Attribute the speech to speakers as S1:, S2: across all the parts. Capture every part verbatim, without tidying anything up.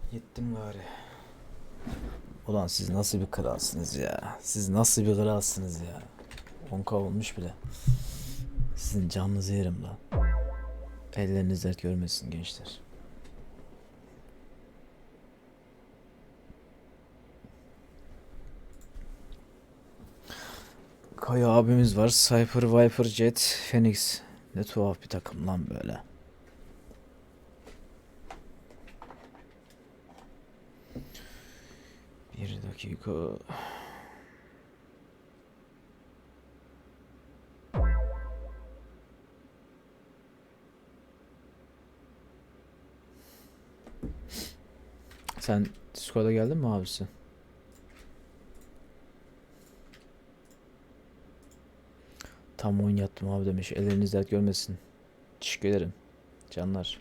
S1: Yettim gari. Ulan siz nasıl bir kralsınız ya? Siz nasıl bir kralsınız ya? on ka olmuş bile. Sizin canınızı yerim lan. Elleriniz dert görmesin gençler. Kaya abimiz var. Cypher, Viper, Jet, Phoenix. Ne tuhaf bir takım lan böyle. Bir dakika. Sen Discord'a geldin mi abisi? Tam oyun yattım abi demiş. Elleriniz dert görmesin. Teşekkür ederim. Canlar.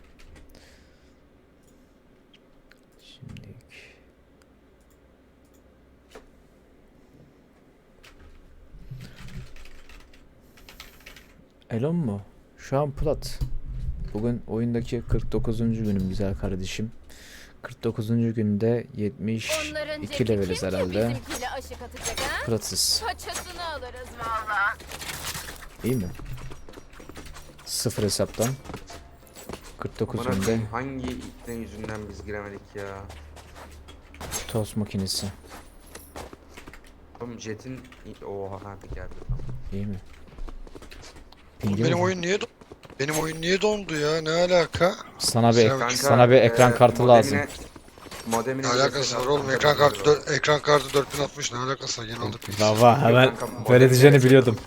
S1: Şimdi Elon mu? Şu an plat. Bugün oyundaki kırk dokuzuncu günüm güzel kardeşim. kırk dokuzuncu günde yetmiş iki leveliz herhalde. Platsız.
S2: Paçasını alırız valla.
S1: İyi mi? Sıfır hesaptan. kırk dokuz
S3: Bana
S1: günde
S3: koyayım, hangi itten yüzünden biz giremedik ya?
S1: tost makinesi.
S3: Oğlum Jet'in... Oha hadi geldi.
S1: İyi mi?
S4: Oğlum
S1: Pingi
S4: benim
S1: mi?
S4: oyun niye do- benim oyun niye dondu ya? Ne alaka?
S1: Sana bir
S4: Selam.
S3: Kanka,
S1: sana bir ekran
S3: e,
S1: kartı
S3: modemine-
S1: lazım.
S3: Modemine
S4: Ne alakası var oğlum? Ekran kartı dö- ekran kartı dört bin altmış ne alakası var? Yeni aldık biz.
S1: Baba hemen
S3: Kanka,
S1: böyle
S3: modem-
S1: diyeceğini biliyordum.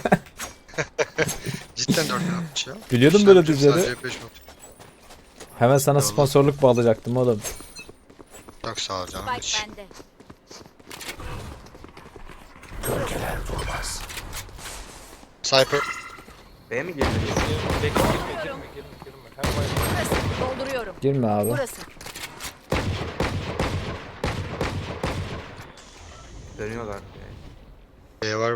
S4: Cidden dört bin altmış ya.
S1: Biliyordum böyle
S4: İşlemci
S1: diyeceğini.
S4: sadece beş not.
S1: Hemen sana
S4: Eyvallah.
S1: sponsorluk bağlayacaktım oğlum.
S4: Çok sağ ol canım.
S2: Bak
S4: hiç.
S2: bende.
S4: Cypher.
S3: B'ye mi girdin?
S5: Bekle girme girme girme girme. Hem bayılır.
S2: Burası. Dolduruyorum.
S1: Girme abi.
S2: Burası.
S3: Dönüyorlar.
S4: B var.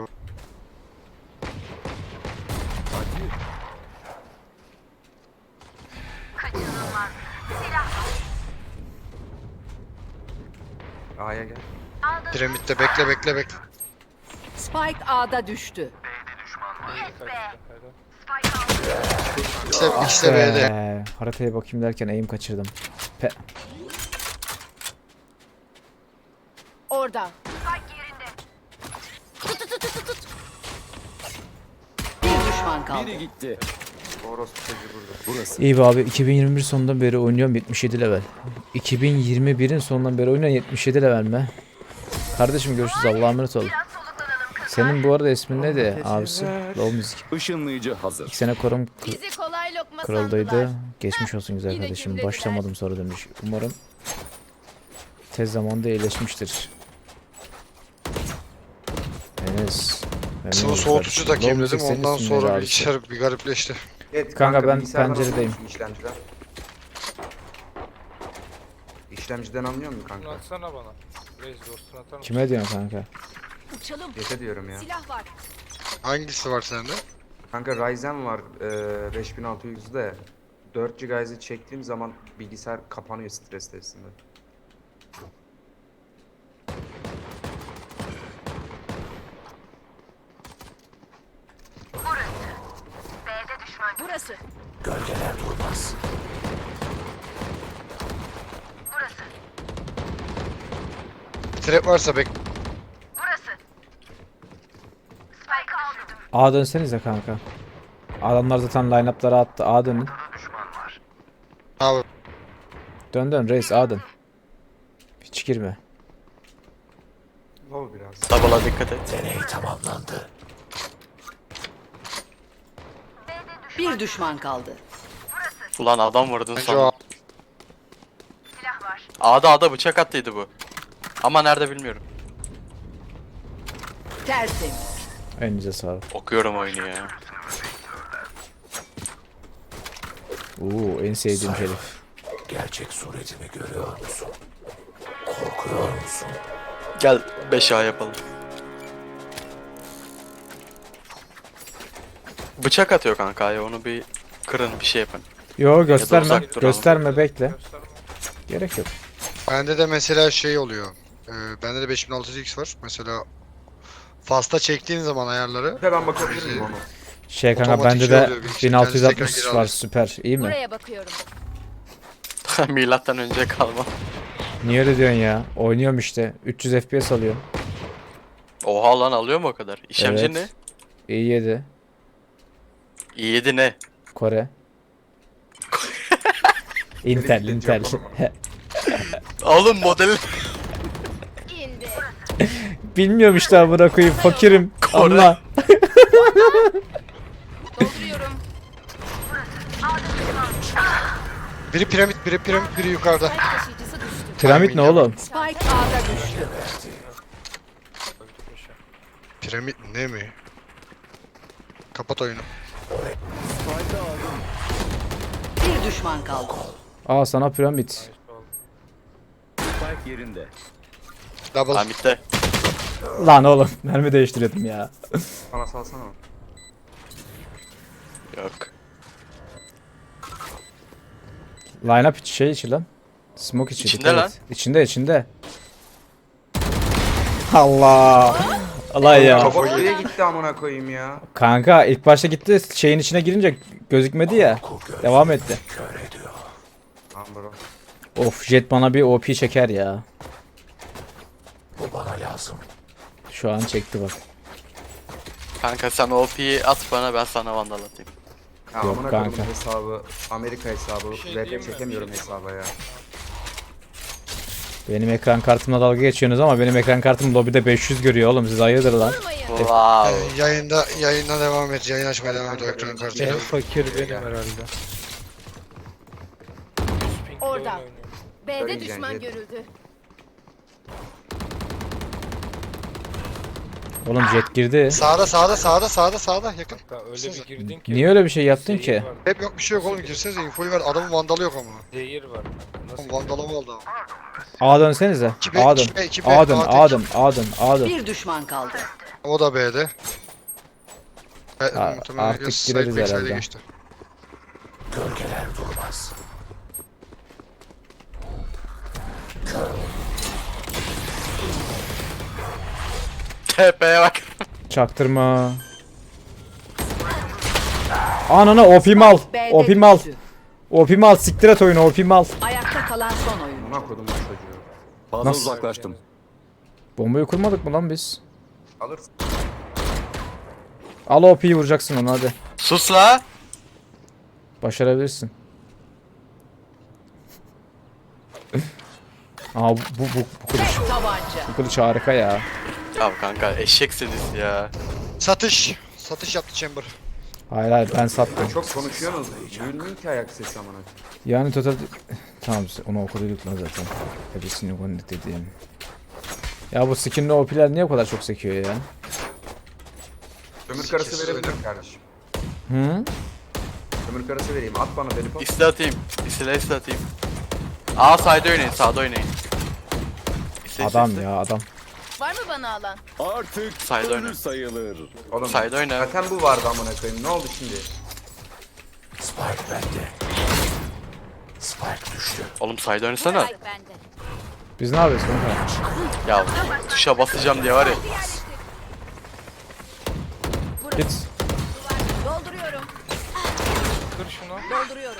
S3: A'ya gel.
S4: Piramitte bekle bekle bekle.
S6: Spike A'da düştü.
S4: İşte,
S1: Ah
S4: işte B'de.
S1: be, haritaya bakayım derken aim kaçırdım. Pe
S2: Orada.
S6: Bir düşman kaldı.
S3: Orospu çocuğu burada.
S1: İyi be abi, iki bin yirmi bir sonundan beri oynuyorum, yetmiş yedi level. iki bin yirmi birin sonundan beri oynuyorum, yetmiş yedi level mi? Kardeşim görüşürüz, Allah'a emanet ol. Senin bu arada ismin neydi abisi? Low Music.
S7: Işınlayıcı hazır.
S1: İki sene korum
S2: Bizi kolay lokma
S1: kırıldıydı.
S2: sandılar.
S1: Geçmiş olsun güzel
S2: Yine
S1: kardeşim.
S2: gümlediler.
S1: Başlamadım sonra demiş. Umarım tez zamanda iyileşmiştir. Enes. memnun
S4: Sıvı
S1: oldum
S4: soğutucu
S1: kardeşim.
S4: takayım
S1: Low
S4: dedim
S1: Music senin
S4: ondan
S1: ismin
S4: sonra
S1: neydi abisi?
S4: bilgisayar bir garipleşti.
S3: Evet,
S1: Kanka ben
S3: bilgisayardan
S1: penceredeyim.
S3: anlıyor musun işlemciden? İşlemciden anlıyor musun
S5: Bunu
S3: kanka?
S5: atsana bana. Reis dostunu atar mısın?
S1: Kime diyorsun kanka?
S2: Uçalım.
S3: Jet'e diyorum ya.
S2: Silah var.
S4: Hangisi var sende?
S3: Kanka Ryzen var e, beş bin altı yüzde. dört gigabayt'ı çektiğim zaman bilgisayar kapanıyor stres testinde.
S2: Burası.
S4: Trap varsa bek.
S1: A dönsenize kanka. Adamlar zaten line-up'lara attı. A dönün.
S4: Abi
S1: Dön dön reis, A dön. Hiç girme.
S3: Low biraz.
S7: Tabala dikkat et.
S6: Bir düşman kaldı.
S7: Ulan adam vurdun
S4: bence
S7: sonra.
S4: o
S7: A'da A'da bıçak attıydı bu. Ama nerede bilmiyorum.
S6: Tertemiz.
S1: Elinize sağlık.
S7: Okuyorum oyunu ya.
S1: Oo, en sevdiğim herif.
S7: Gel beş A yapalım. Bıçak atıyor kanka ya, onu bir kırın, bir şey yapın.
S1: Yo gösterme.
S7: uzak duralım.
S1: Gösterme, bekle.
S5: Gösterme.
S1: Gerek yok.
S4: Bende de mesela şey oluyor. Ee, bende de beş bin altı yüz X var. Mesela Fast'a çektiğin zaman ayarları
S3: Ve ben bakabilir miyim onu?
S1: Şey kanka
S4: Otomatik
S1: bende
S4: şey
S1: de
S4: oluyor, bilgisayar
S1: bin altı yüz altmış
S4: kendisi tekrar
S1: var
S4: geri
S1: süper. İyi mi?
S2: Buraya bakıyorum.
S7: Milattan önce kalma.
S1: Niye öyle diyorsun ya? Oynuyorum işte. üç yüz F P S alıyorum.
S7: Oha lan alıyor mu o kadar? İşlemci
S1: Evet.
S7: ne?
S1: i yedi.
S7: i yedi ne?
S1: Kore. Intel, Intel.
S7: Oğlum model
S2: İndi.
S1: Bilmiyorum işte amına koyayım fakirim.
S7: Kore.
S1: Allah.
S2: Dolduruyorum.
S4: biri piramit, biri piramit, biri yukarıda.
S2: Spike taşıyıcısı düştü.
S1: Piramit ne oğlum?
S6: Spike A'da düştü.
S4: Piramit ne mi? Kapat oyunu.
S6: Bir düşman kaldı.
S1: Aa sana piramit.
S4: Double.
S7: Hamit'te.
S1: Lan oğlum mermi değiştiriyordum ya.
S3: Bana salsana.
S7: Yok.
S1: Line up içi şey içi lan. Smoke içi.
S7: İçinde
S1: dikkat
S7: lan.
S1: et. İçinde içinde. Allah. Allah ya.
S3: Kafa nereye gitti amına koyayım ya?
S1: Kanka ilk başta gitti şeyin içine girince gözükmedi ya. Devam etti.
S3: Tamam bro.
S1: Of Jet bana bir O P çeker ya. Bu bana lazım. Şu an çekti bak.
S7: Kanka sen O P'yi at bana, ben sana vandal atayım.
S3: Ya
S1: Yok
S3: amına
S1: kanka.
S3: koyayım hesabı, Amerika hesabı,
S5: şey
S3: R P
S5: diyeyim mi?
S3: çekemiyorum hesaba ya.
S1: Benim ekran kartımla dalga geçiyorsunuz ama benim ekran kartım lobide beş yüz görüyor oğlum, siz hayırdır lan.
S2: Durmayın.
S7: Wow.
S4: Ee, yayında yayına devam et. Yayın açmaya devam et o ekran kartıyla.
S5: En fakir benim herhalde.
S2: Orada. B'de
S3: Söyleyeceğim,
S2: düşman
S3: Jet.
S2: görüldü.
S1: Oğlum Jet girdi.
S4: Sağda sağda sağda sağda sağda yakın.
S5: Öyle bir girdin ki.
S1: Niye öyle bir şey yaptın
S5: zehir
S1: ki?
S5: var,
S4: Hep yok bir şey yok oğlum, girsenize infoyu ver. Adamın vandalı yok ama.
S5: Zehir var. Nasıl?
S4: Oğlum vandalımı aldı ama.
S1: A dönsenize.
S4: İki B,
S1: A dön.
S4: iki B, iki B,
S1: A dön,
S4: A tek.
S1: A dön, A dön, A dön.
S6: Bir düşman kaldı.
S4: O da B'de. E,
S1: A-
S4: muhtemelen
S1: artık
S4: side
S1: gireriz
S4: backside'e
S1: herhalde.
S4: geçti.
S7: T P'ye bak.
S1: Çaktırma. Anana O P mal.
S6: B'de
S1: O P mal.
S6: düştü.
S1: O P mal, siktir et oyunu, O P mal.
S6: Ayakta kalan son oyuncu.
S3: Amına koydum bu çocuğu.
S8: Fazla
S1: Nasıl?
S8: uzaklaştım.
S1: Bombayı kurmadık mı lan biz?
S3: Alırsın.
S1: Al O P'yi vuracaksın onu hadi.
S7: Sus la.
S1: Başarabilirsin. Aa bu bu bu, bu kılıç.
S6: Tek tabanca.
S1: Bu kılıç harika ya.
S7: Ya kanka eşeksiniz ya.
S4: Satış. Satış yaptı Chamber.
S1: Hayır hayır ben sattım.
S3: Çok konuşuyorsunuz. Duyulmuyor ki ayak sesi amına koyayım.
S1: Yani total... Tamam onu okuduk lan zaten. Hepsini konnet dediğim. Ya bu skinli O P'ler niye o kadar çok sekiyor ya?
S3: Ömür karası
S4: Sikir
S3: verebilirim kardeşim.
S1: Hı?
S3: Ömür karası vereyim. At bana deli pop.
S7: İsle atayım. İsle isle atayım. Aa sağda oynayın, sağda oynayın. İsle, isle,
S1: Adam
S7: isle.
S1: ya adam.
S2: Var mı bana alan?
S8: Artık
S7: Sayda
S8: ölü
S7: oyna.
S8: sayılır.
S3: Oğlum
S7: Sayda oyna.
S3: zaten bu vardı amına koyayım. Ne oldu şimdi?
S7: Oğlum sayda oynasana.
S2: Spike bende.
S1: Biz ne yapıyoruz kanka?
S7: Ya tuşa basacağım diye var ya.
S1: Git.
S2: Dolduruyorum.
S5: Kır şunu.
S2: Dolduruyorum.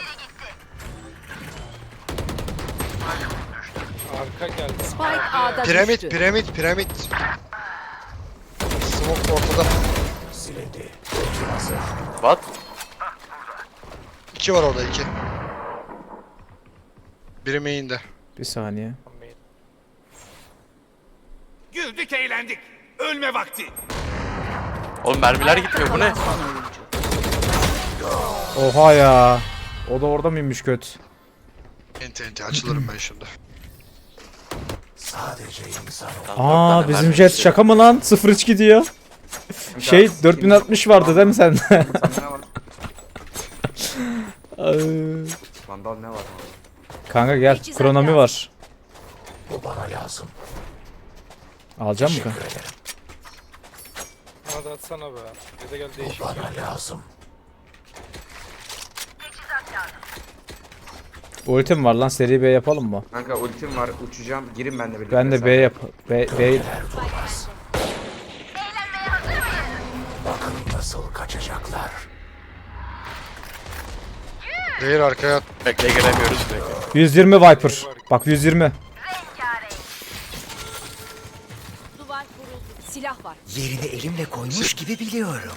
S5: Arka geldi.
S6: Spike A'da
S4: Piramit,
S6: düştü.
S4: piramit, piramit. Smoke ortada.
S7: What?
S4: İki var orada, iki. Biri main'de.
S1: Bir saniye.
S9: Güldük eğlendik. Ölme vakti.
S7: Oğlum mermiler gitmiyor, bu ne?
S6: Kalan son oyuncu.
S1: Oha ya. O da orada mıymış kötü?
S4: Enti enti açılırım ben şimdi.
S7: Lan dört
S1: Aa
S7: tane
S1: bizim
S7: mermi
S1: Jet
S7: istiyor.
S1: şaka mı lan? sıfır üç gidiyor. Şey dört bin altmış vardı değil mi sende?
S3: Sende ne var?
S1: Ay.
S3: Vandal ne var?
S1: Kanka gel.
S2: Teçhizat
S1: Kronomi
S2: lazım.
S1: var. Bu bana lazım. Alacak mı kanka?
S5: Bana da atsana be. Ya da gel değişik.
S1: Ultim var lan, seri B yapalım mı?
S3: Kanka ultim var, uçacağım. Girin benimle birlikte.
S1: Ben de
S3: sen.
S1: B yap. B, B.
S4: Değil arkaya.
S7: Bekle giremiyoruz bekle.
S1: yüz yirmi Viper. Bak yüz yirmi.
S2: Duvar kuruldu.
S6: Silah var.
S8: Yerini elimle koymuş gibi biliyorum.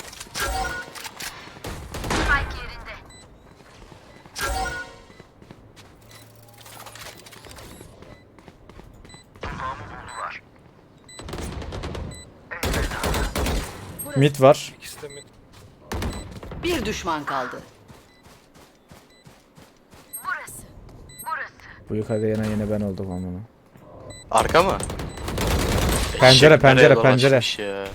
S1: Mid var.
S5: İkisi de mid.
S6: Bir düşman kaldı.
S1: Bu yukarıda yine yine ben oldum amına.
S7: Arka mı?
S1: Pencere,
S7: Eşek
S1: pencere,
S7: nereye
S1: pencere.
S7: dolaşmış ya?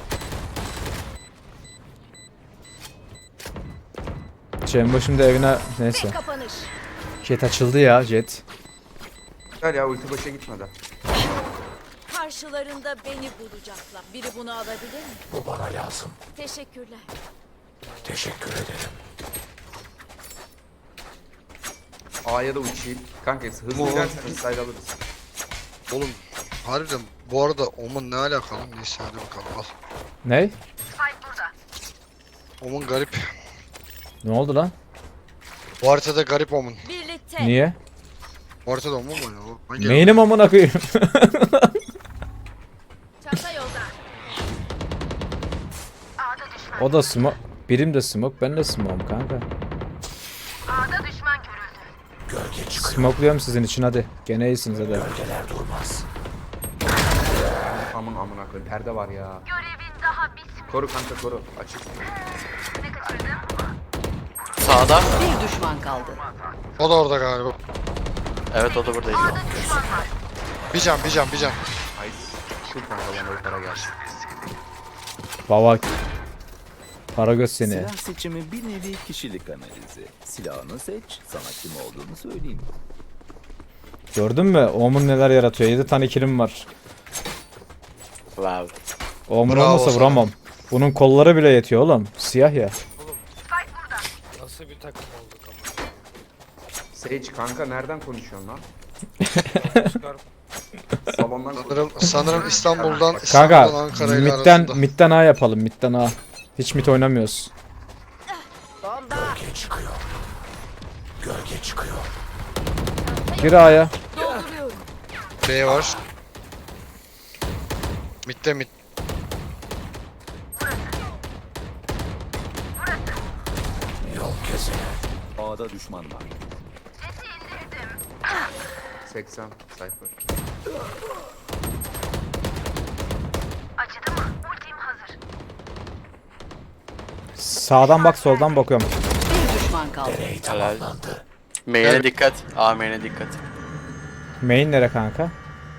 S1: Cem şimdi evine neyse.
S2: Kapanış.
S1: Jet açıldı ya, jet.
S3: Gel ya, ulti boşa gitmedi.
S2: Karşılarında beni bulacaklar. Biri bunu alabilir mi?
S8: Bu bana lazım.
S2: Teşekkürler.
S8: Teşekkür ederim.
S3: A'ya da uçayım. Kanka hızlı
S4: Oğlum.
S3: giderseniz side alırız.
S4: Oğlum harbiden bu arada Omun ne alakalı? Neyse hadi bakalım al.
S1: Ney?
S4: Omun garip.
S1: Ne oldu lan?
S4: Bu haritada garip Omun.
S2: Birlikte.
S1: Niye?
S4: Bu haritada Omun mu oynuyor? Hangi
S1: Neynim amına koyayım?
S2: Çanta yolda.
S1: O da smoke. Birim de smoke, ben de smoke'um kanka.
S8: Gölge çıkıyor.
S1: Smokluyorum sizin için hadi. Gene iyisiniz hadi.
S8: Gölgeler durmaz.
S3: Aman amına koyayım, perde var ya. Görevin daha bitmedi. Koru kanka, koru. Açık.
S7: Sağda.
S6: Bir düşman kaldı.
S4: O da orada galiba.
S7: Evet o da buradaydı.
S4: Bir can bir can bir can.
S3: Nice. Şu kanka bana yukarı gelsin.
S1: Baba. Karagöz seni.
S10: Silah seçimi bir nevi kişilik analizi. Silahını seç, sana kim olduğunu söyleyeyim.
S1: Gördün mü? Omun neler yaratıyor. yedi tane killim var.
S7: Wow.
S1: Omun
S4: Bravo
S1: olmasa
S4: sana.
S1: vuramam. Bunun kolları bile yetiyor oğlum. Siyah ya.
S5: Nasıl bir takım olduk ama.
S3: Sage kanka nereden konuşuyorsun lan?
S5: Çıkar.
S3: Salondan konuş.
S4: Sanırım, sanırım İstanbul'dan
S1: Kanka
S4: İstanbul'dan Ankara ile
S1: midden,
S4: arasında.
S1: midden A yapalım. Midden A. Hiç mid oynamıyoruz.
S8: Gölge çıkıyor. Gölge çıkıyor.
S1: Gir A'ya.
S2: Dolduruyorum.
S4: B var. Mitte mid.
S8: Yol keser.
S10: A'da düşman var.
S3: seksen sayfa.
S1: Sağdan bak, soldan bakıyorum.
S6: Bir düşman kaldı.
S8: Deney tamamlandı.
S7: Main'e
S4: Evet.
S7: dikkat. A main'e dikkat.
S1: Main nere kanka?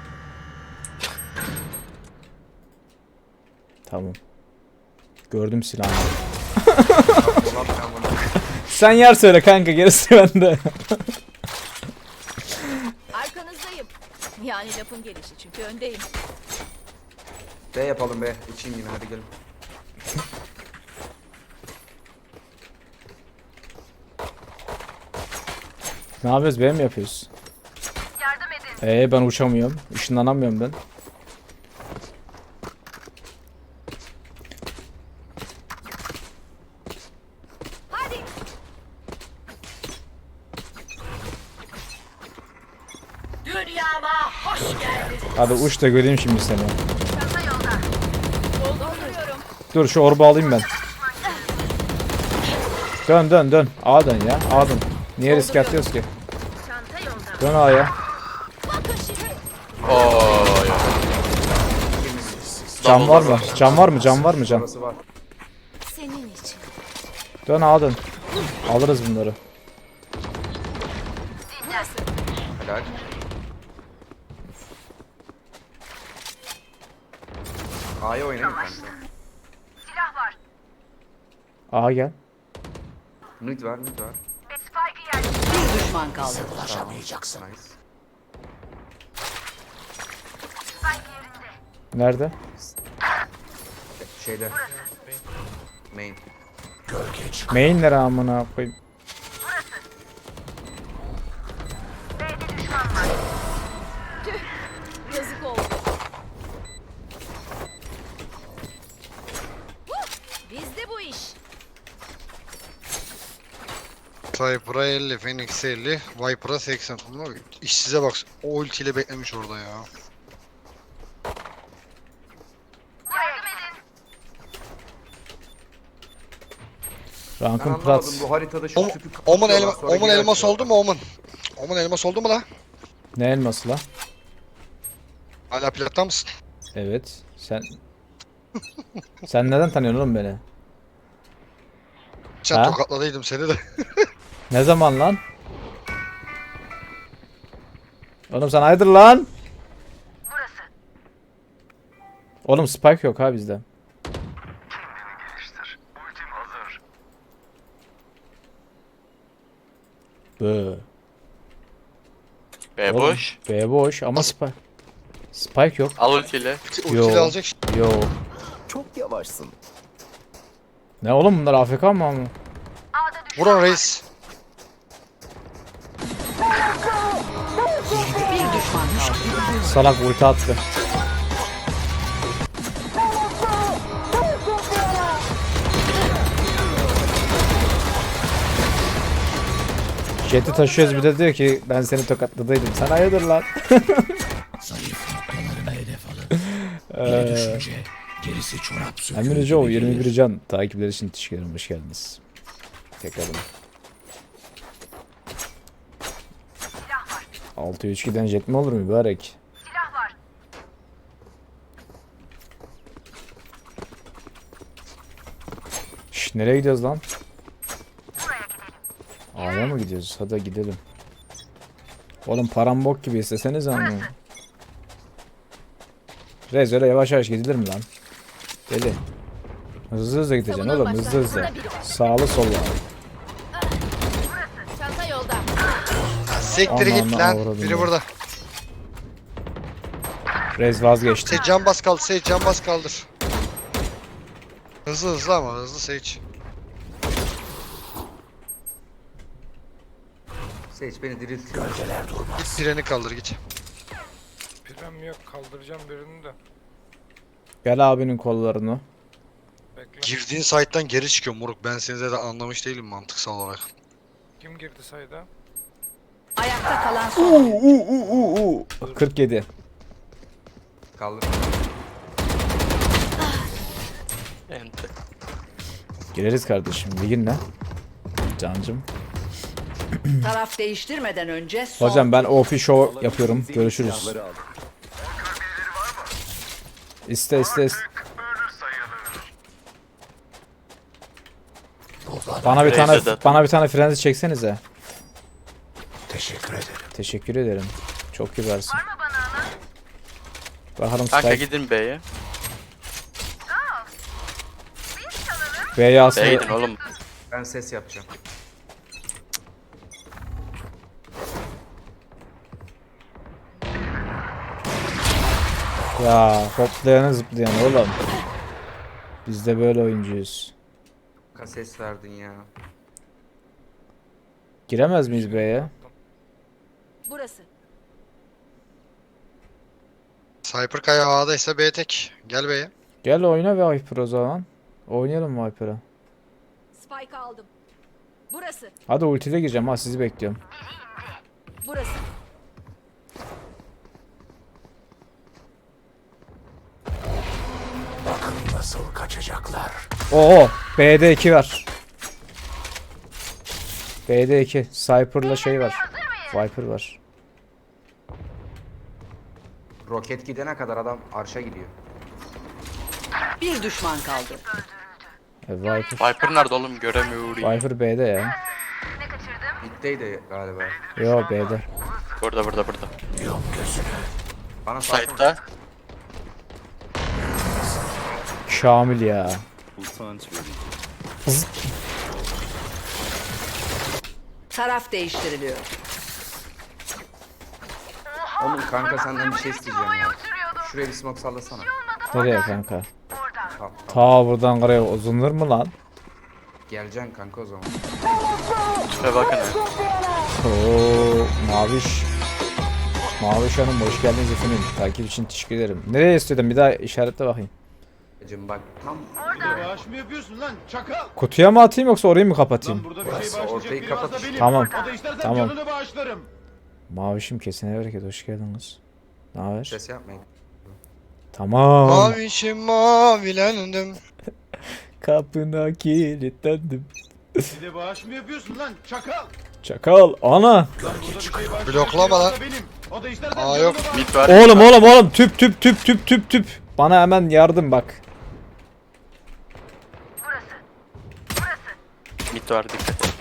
S1: Tamam. Gördüm silahını.
S3: Ulan ben bunu.
S1: Sen yer söyle kanka, gerisi bende.
S2: Arkanızdayım. Yani lafın gelişi çünkü öndeyim.
S3: B yapalım be. Uçayım yine, hadi gelin.
S1: Ne yapıyoruz? B mi yapıyoruz? Yardım edin. Ee ben uçamıyorum. Işınlanamıyorum ben.
S2: Hadi. Dünyama hoş geldin.
S1: Hadi uç da göreyim şimdi seni.
S2: Dolduruyorum.
S1: Dur şu orbu alayım ben. Dön dön dön. A dön ya. A dön. Niye risk atıyoruz ki?
S2: Çanta yolda.
S1: Dön A'ya.
S2: Bakın şimdi.
S7: Oo. ya.
S1: Cam var mı? Cam var mı? Cam var mı cam?
S3: Burası var.
S2: Senin için.
S1: Dön A dön. Alırız bunları.
S3: Helal. A'ya oynayın kanka.
S1: A gel.
S3: Mid var, mid var.
S6: Bir düşman kaldı.
S8: Ulaşamayacaksın.
S3: Nice.
S1: Nerede?
S3: Şeyde. Main.
S8: Gölge çıkıyor.
S1: Main nere amına koyayım?
S2: Tüh, yazık oldu. Huh, bizde bu iş.
S4: Cypher'a elli, Phoenix'e elli, Viper'a seksen. Ama işsize bak. O ultiyle beklemiş orada ya.
S3: Ben
S1: Rankın
S3: anlamadım
S1: Prats.
S3: bu haritada şu
S4: Om,
S3: tüpü
S4: Omun,
S3: kapatıyorlar,
S4: elma,
S3: sonra
S4: Omun
S3: geri
S4: elmas
S3: açıyorlar.
S4: oldu mu Omun? Omun elmas oldu mu la?
S1: Ne elması la?
S4: Hala platta mısın?
S1: Evet. Sen... Sen neden tanıyorsun oğlum beni?
S4: Sen
S1: Ha?
S4: tokatladıydım seni de.
S1: Ne zaman lan? Oğlum sen hayırdır lan? Oğlum spike yok ha bizde. Bö.
S7: B
S1: Oğlum,
S7: boş.
S1: B boş ama spike. Spike yok.
S7: Al ultiyle.
S4: Ultiyle
S1: Yo.
S4: alacak.
S1: Yo.
S10: Çok yavaşsın.
S1: Ne oğlum bunlar A F K mı ama?
S4: Vurun reis.
S6: Bir düşman kaldı.
S1: Salak ulti attı. Jet'i taşıyoruz bir de diyor ki ben seni tokatladıydım. Sen hayırdır lan?
S8: Zayıf noktalarına hedef alın. Biri düşünce gerisi çorap söküğü
S1: Emre Joe
S8: gibi
S1: yirmi
S8: gelir.
S1: bir can takipler için teşekkür ederim. Hoş geldiniz. Tekrardan. altı üç giden jet mi olur mübarek? Şş, nereye gidiyoruz lan? A'ya mı gidiyoruz? Hadi gidelim. Oğlum param bok gibi isteseniz ama. Rez öyle yavaş yavaş gidilir mi lan? Deli. Hızlı hızlı gideceksin
S2: Savunan
S1: oğlum, hızlı
S2: başlar.
S1: hızlı.
S2: Burada biri var.
S1: Sağlı sollu.
S2: Çanta yolda.
S4: Siktir git
S1: Ananı
S4: lan.
S1: avradım
S4: Biri
S1: ya.
S4: burada.
S1: Rez vazgeçti.
S4: Sage can bas kaldı. Sage can bas kaldır. Hızlı hızlı ama hızlı Sage.
S3: Sage beni diriltiyor.
S8: Gölgeler durmaz.
S4: Git treni kaldır git.
S5: Pirem yok, kaldıracağım birini de.
S1: Gel abinin kollarını.
S5: Bekle.
S4: Girdiğin site'dan geri çıkıyor moruk. Ben seni de anlamış değilim mantıksal olarak.
S5: Kim girdi sayda?
S6: Ayakta kalan son.
S1: kırk yedi.
S3: Kaldır.
S7: Ente.
S1: Gireriz kardeşim. Ligin ne? Cancım.
S6: Taraf değiştirmeden önce son.
S1: Hocam ben O P show yapıyorum. Görüşürüz.
S10: Silahları al.
S1: İste iste iste. Bana bir tane
S7: Razer
S1: bana bir tane frenzi çeksenize.
S8: Teşekkür ederim.
S1: Teşekkür ederim. Çok kibarsın. Bakalım
S7: Kanka
S1: Spike
S7: gidin B'ye.
S1: B'ye
S7: B'ye
S1: aslında
S7: gidin oğlum.
S3: Ben ses yapacağım.
S1: ya hoplayanı zıplayan oğlum. Biz de böyle oyuncuyuz.
S3: Ka ses verdin ya.
S1: Giremez miyiz B'ye?
S2: Burası.
S4: Cypher Kaya A'daysa B tek. Gel B'ye.
S1: Gel oyna Viper o zaman. Oynayalım Viper'a.
S2: Spike aldım. Burası.
S1: Hadi ultiyle gireceğim ha, sizi bekliyorum.
S2: Burası.
S8: Bakın nasıl kaçacaklar.
S1: Oo, B'de iki var. B'de iki. Cypher'la şey var. Viper var.
S3: Roket gidene kadar adam arşa gidiyor.
S6: Bir düşman kaldı.
S1: E, Viper.
S7: Viper nerede oğlum? Göremiyorum.
S1: Viper B'de ya.
S3: Mid'deydi galiba.
S1: Yo B'de.
S7: Burada burada burada.
S8: Yum gözünü.
S3: Bana sarsana.
S7: Side'da.
S1: Şamil ya.
S10: Utanç verici.
S6: Taraf değiştiriliyor.
S3: Oğlum kanka senden bir şey isteyeceğim ya. Şuraya bir smoke sallasana.
S1: Nereye kanka?
S3: Tamam.
S1: Ta buradan karaya uzunur mu lan?
S3: Geleceksin kanka o zaman.
S7: Şuraya bakın ya.
S1: Oo, maviş. Mavi Hanım hoş geldiniz efendim. Takip için teşekkür ederim. Nereye istedin? Bir daha işaretle bakayım.
S3: Hacım bak tam
S9: Bağış mı yapıyorsun lan çakal?
S1: Kutuya mı atayım yoksa orayı mı kapatayım?
S9: Burada bir şey
S3: Orası,
S9: bağışlayacak
S3: ortayı
S9: biri varsa
S3: kapat.
S9: benim.
S1: Tamam.
S9: O da istersen
S1: Tamam.
S9: canını bağışlarım.
S1: Mavişim kesene bereket hoş geldiniz. Ne haber?
S3: ses yapmayın.
S1: Tamam.
S4: Mavişim mavilendim.
S1: Kapına kilitlendim.
S9: Bir de bağış mı yapıyorsun lan çakal?
S1: Çakal ana.
S9: Burada bir şey bağışlayacak
S4: Bloklama
S9: biri varsa
S4: lan.
S9: benim. O da istersen
S4: Aa,
S9: canını
S4: yok.
S9: bağışlarım.
S7: Mid var.
S1: Oğlum oğlum oğlum tüp tüp tüp tüp tüp tüp. Bana hemen yardım bak.
S7: Mid var dikkat et.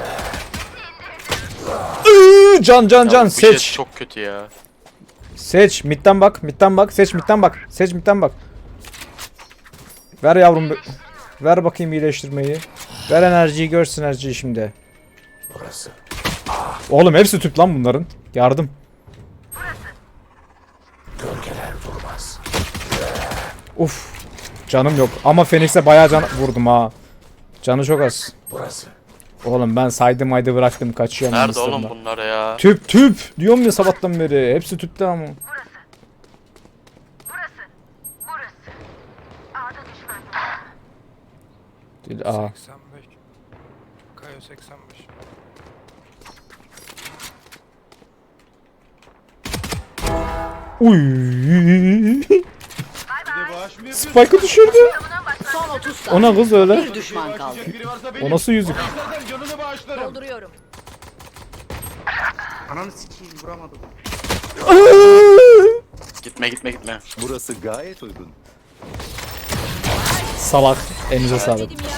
S1: Iıı, can can
S7: Ya
S1: can
S7: bu jet
S1: seç.
S7: çok kötü ya.
S1: Seç midden bak midden bak seç midden bak. Seç midden bak. Ver yavrum. bir- Ver bakayım iyileştirmeyi. Ver enerjiyi gör sinerjiyi şimdi.
S8: Burası.
S1: Oğlum hepsi tüp lan bunların. Yardım.
S8: Gölgeler durmaz.
S1: Uf. Canım yok ama Phoenix'e bayağı can vurdum ha. Canı çok az.
S8: Burası.
S1: Oğlum ben saydım aydı bıraktım kaçıyorum.
S7: Nerede
S1: Mısır'da.
S7: oğlum bunlar ya?
S1: Tüp tüp. Diyorum ya sabahtan beri. Hepsi tüpte ama. Değil, aa.
S5: seksen beş. Kayo seksen beş.
S1: Uy.
S9: Bir de bağış mı yapıyorsun?
S1: Spike'ı düşürdü.
S6: Son otuz saniye.
S1: Ona kız öyle.
S6: Bir düşman kaldı.
S9: Bağışlayacak biri varsa benim.
S1: O nasıl yüzük?
S9: O da istersen canını bağışlarım.
S2: Dolduruyorum.
S3: Ananı sikeyim vuramadım.
S7: Gitme gitme gitme.
S10: Burası gayet uygun.
S1: Salak. Elinize sağlık.
S2: Dedim ya.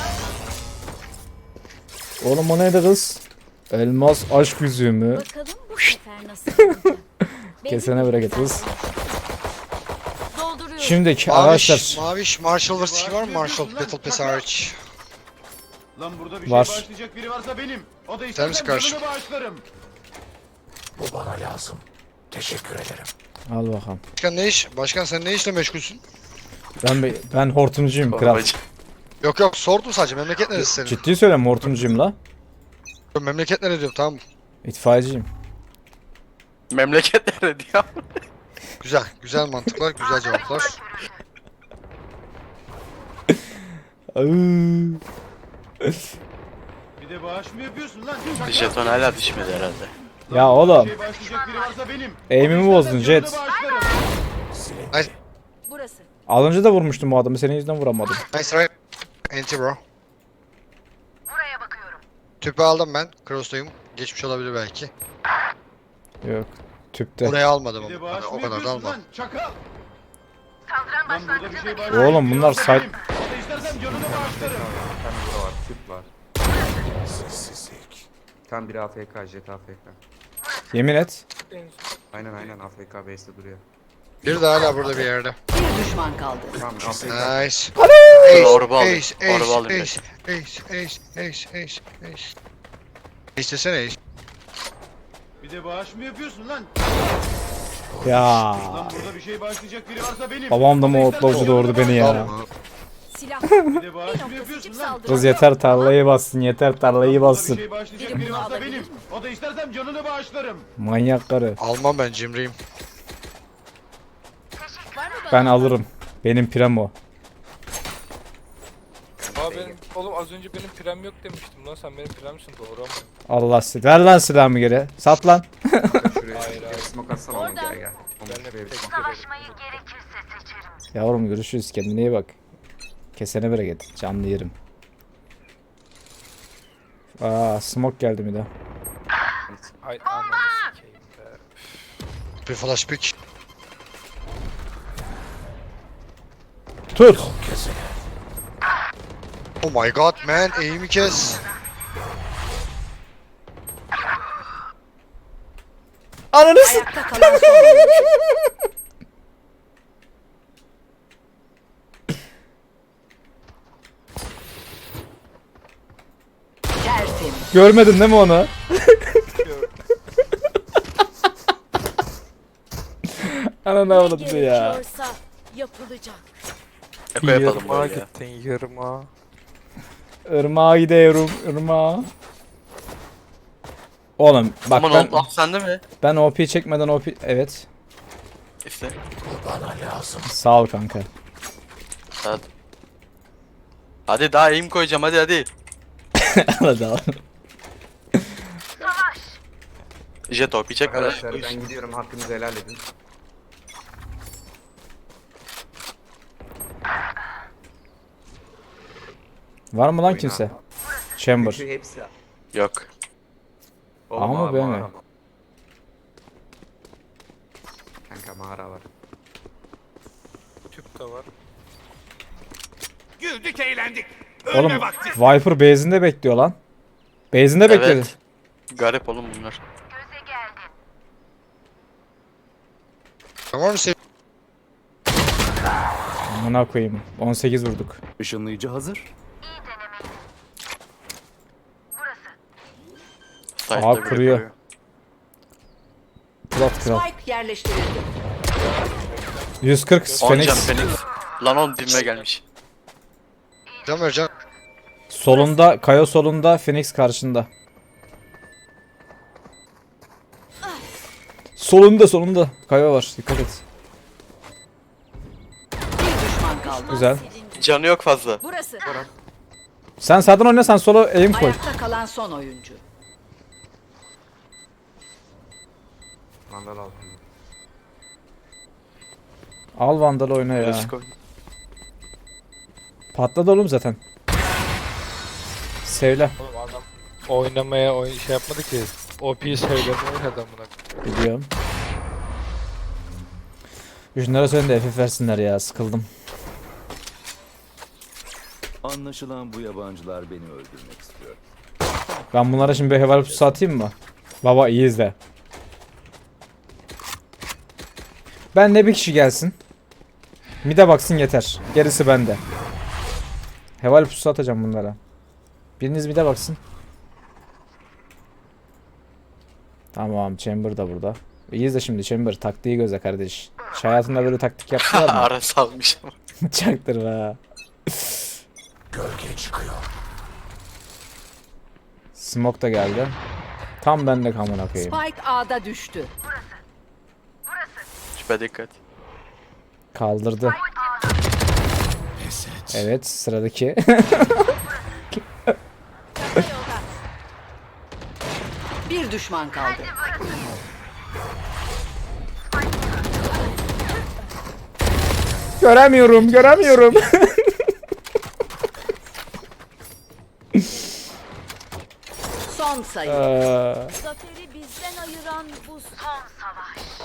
S1: Oğlum o neydi kız? Elmas aşk yüzüğü mü?
S2: Bakalım bu sefer nasıl olacak.
S1: Kesene bereket kız.
S2: Dolduruyorum.
S1: Şimdiki
S4: Maviş,
S1: arkadaşlar.
S4: Maviş Marshall vs. Ski var mı? Marshall Battle Pass hariç.
S9: Lan burada bir
S1: Var.
S9: şey bağışlayacak biri varsa benim. O da
S4: misin
S9: istersen
S4: karşı?
S9: canını bağışlarım.
S8: Bu bana lazım. Teşekkür ederim.
S1: Al bakalım.
S4: Başkan ne iş? Başkan sen ne işle meşgulsün?
S1: Ben be- ben hortumcuyum kral.
S7: Torbacı.
S4: Yok yok sordum sadece. Memleket neresi senin?
S1: Ciddi söylüyorum hortumcuyum la.
S4: Memleket neresi diyorum tamam.
S1: İtfaiyeciyim.
S7: Memleket nerede ya?
S4: Güzel. Güzel mantıklar. Güzel cevaplar.
S1: Iıı.
S9: Bir de bağış mı yapıyorsun lan çakal?
S7: Jeton hala düşmedi herhalde.
S1: Ya oğlum.
S9: Bir şey bağışlayacak biri varsa benim.
S1: Aim'imi
S9: O da
S1: bozdun,
S9: istersen
S1: Jet.
S9: canını bağışlarım.
S2: Burası.
S1: Az önce de vurmuştum bu adamı senin yüzünden vuramadım.
S4: Nice right. Anti bro. Tüpü aldım ben. Cross'tayım. Geçmiş olabilir belki.
S1: Yok. Tüpte.
S4: Oraya almadım
S9: Bir de
S4: ama.
S9: bağış
S4: Hani
S9: mı
S4: o kadar da
S9: yapıyorsun
S4: almadım.
S9: lan çakal? Lan burada bir şey bağışlayacak
S1: Oğlum
S9: biri
S1: bunlar
S9: varsa
S1: say-
S9: benim. O da istersen canını bağışlarım.
S3: Tam bura var, tüp var.
S8: Sessizlik.
S3: Tam biri A F K, jet A F K.
S1: Yemin et.
S3: Aynen aynen A F K base'de duruyor.
S4: Bir de hala burada bir yerde.
S6: Bir düşman kaldı.
S3: Tamam A F K.
S4: Nice.
S7: Dur, orba alayım.
S4: Ace,
S7: Orba
S4: ace,
S7: alayım
S4: ace, ace, ace, ace, ace, ace. Ace desene ace.
S9: Bir de bağış mı yapıyorsun lan?
S1: Ya.
S9: Lan burada bir şey bağışlayacak biri varsa benim.
S1: Babam da
S9: O
S1: mı
S9: istersen
S1: otlavcı doğurdu
S9: canını
S1: beni ya.
S4: Tamam.
S2: Silah.
S9: Bir de bağış
S2: Bir
S9: mı
S2: nokta
S9: yapıyorsun
S2: seçip
S9: lan?
S2: saldırı.
S1: Kız yeter tarlayı bassın yeter tarlayı
S9: Burada bir
S1: bassın.
S9: şey bağışlayacak
S2: Biri
S9: biri
S2: bunu
S9: varsa
S2: alabilir
S9: benim.
S2: mi?
S9: O da istersem canını bağışlarım.
S1: Manyak karı.
S4: Almam ben cimriyim.
S2: Var mı bana?
S1: Ben alırım. Benim primo.
S5: Aa benim oğlum az önce benim prem yok demiştim lan, sen benim premsin doğru ama.
S1: Allah sizi. Ver lan silahımı geri. Sat lan.
S3: Şuraya
S5: Hayır,
S3: gel
S5: hayır.
S3: smoke atsana oğlum
S2: Oradan.
S3: gel gel. Oğlum
S5: Ben de
S3: şuraya bir
S5: tek
S3: smoke.
S1: Yavrum görüşürüz. Kendine iyi bak. Kesene bereket. Canlı yerim. Aa smoke geldi bir de.
S5: Hay ananı sikeyim be.
S4: Bir flash pick.
S1: Tut.
S4: Oh my god man, aim'i kes.
S1: Ananı s-
S6: Ayakta kalan son oyuncu. Tertemiz.
S1: Görmedin değil mi onu? Ananı
S2: Ne
S1: avladı ya.
S2: gerekiyorsa yapılacak.
S7: Eko yapalım böyle ya.
S5: gittin yırma.
S1: Irmağa gidiyorum. Irmağa. Oğlum bak
S7: Aman
S1: ben
S7: oğlum sende mi?
S1: ben O P çekmeden O P evet.
S7: İşte.
S1: Sağ ol kanka.
S7: Hadi. Hadi daha aim koyacağım hadi hadi.
S1: Hadi al.
S7: Jet O P çekme lan.
S3: Arkadaşlar ben gidiyorum, hakkınızı helal edin.
S1: Var mı lan
S3: Oyna.
S1: kimse? Chamber.
S3: Üçü hepsi.
S7: Yok.
S3: Oğlum,
S1: Ama
S3: mağara,
S1: ben mi?
S3: mağara. Kanka mağara var.
S5: Tüp de var.
S9: Güldük eğlendik.
S1: Oğlum Viper base'inde bekliyor lan. Base'inde bekledi.
S7: Evet. Garip oğlum bunlar.
S4: Tamam mı sev?
S1: Amına koyayım. on sekiz vurduk.
S10: Işınlayıcı hazır.
S7: Side'da
S1: Aa,
S7: biri
S1: kuruyor. Plat kral.
S6: Spike yerleştirildi.
S1: yüz kırk
S7: On can
S1: Phoenix.
S7: Phoenix. Lan oğlum dibime gelmiş.
S4: Can ver can.
S1: Solunda, Kayo solunda, Phoenix karşında. Solunda solunda. Kayo var. Dikkat et.
S6: Bir düşman kaldı.
S1: Güzel.
S7: Canı yok fazla.
S2: Burası.
S1: Sen sağdan oyna, sen sola aim koy.
S6: Ayakta kalan son oyuncu.
S3: Mandal altında.
S1: Al Vandal oyna ya.
S7: Klasik oyun.
S1: Patladı oğlum zaten. Sevle.
S5: Oğlum adam oynamaya oyn şey yapmadı ki. O P'yi söylemeye oynadı buna.
S1: Biliyorum. Şunlara söyleyin de F F versinler ya, sıkıldım.
S10: Anlaşılan bu yabancılar beni öldürmek istiyor.
S1: Ben bunlara şimdi bir heval pusu atayım mı? Baba iyi izle. Ben de bir kişi gelsin. Mide baksın yeter. Gerisi bende. Heval pusu atacağım bunlara. Biriniz mide baksın. Tamam, Chamber da burada. İyi izle şimdi Chamber, taktiği gözle kardeş. Hiç hayatında böyle taktik yaptılar mı?
S7: Ara salmış ama.
S1: Çaktırma.
S8: Gölge çıkıyor.
S1: Smoke da geldi. Tam bende kamına koyayım.
S6: Spike A'da düştü.
S7: Şüphe dikkat.
S1: Kaldırdı.
S8: Pes et.
S1: Evet, sıradaki.
S6: Bir düşman kaldı.
S1: Göremiyorum, göremiyorum.
S6: Son sayı.
S1: Ee,
S2: Zaferi bizden ayıran bu son savaş.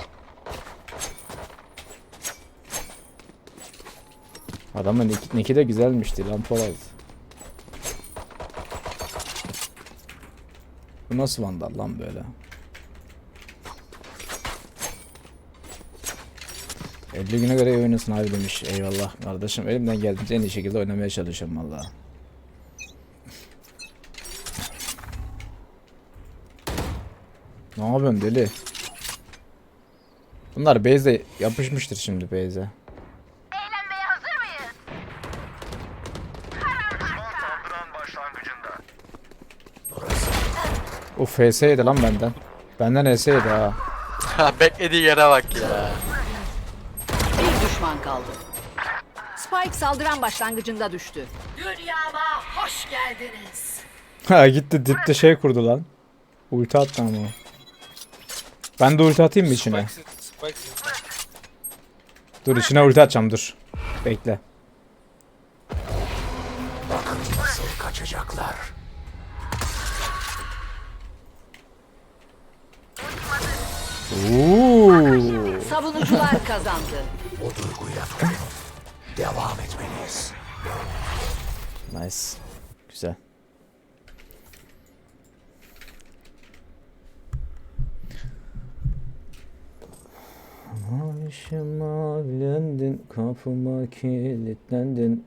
S1: adamın nick, nick'i de güzelmişti lan Polat. Bu nasıl vandal lan böyle? elli güne göre iyi oynasın abi demiş. Eyvallah kardeşim. Elimden geldiğince en iyi şekilde oynamaya çalışıyorum valla. Ne yapıyorsun deli? Bunlar base'e yapışmıştır şimdi base'e.
S2: Eğlenmeye hazır mıyız?
S1: Uf H S yedi lan benden. Benden H S yedi ha.
S7: Ha beklediği yere bak ya.
S6: Bir düşman kaldı. Spike saldıran başlangıcında düştü. Dünyama hoş geldiniz.
S1: Ha gitti dipte şey kurdu lan. Ulti attı ama. Ben de ulti atayım mı içine?
S5: Spike, Spike,
S1: Dur içine ulti atacağım dur. Bekle.
S8: Bakın nasıl kaçacaklar.
S1: Oo.
S6: Savunucular kazandı.
S8: O duyguya tutunun. Devam etmeliyiz.
S1: Nice. Güzel. Başıma bilendin, kapıma kilitlendin.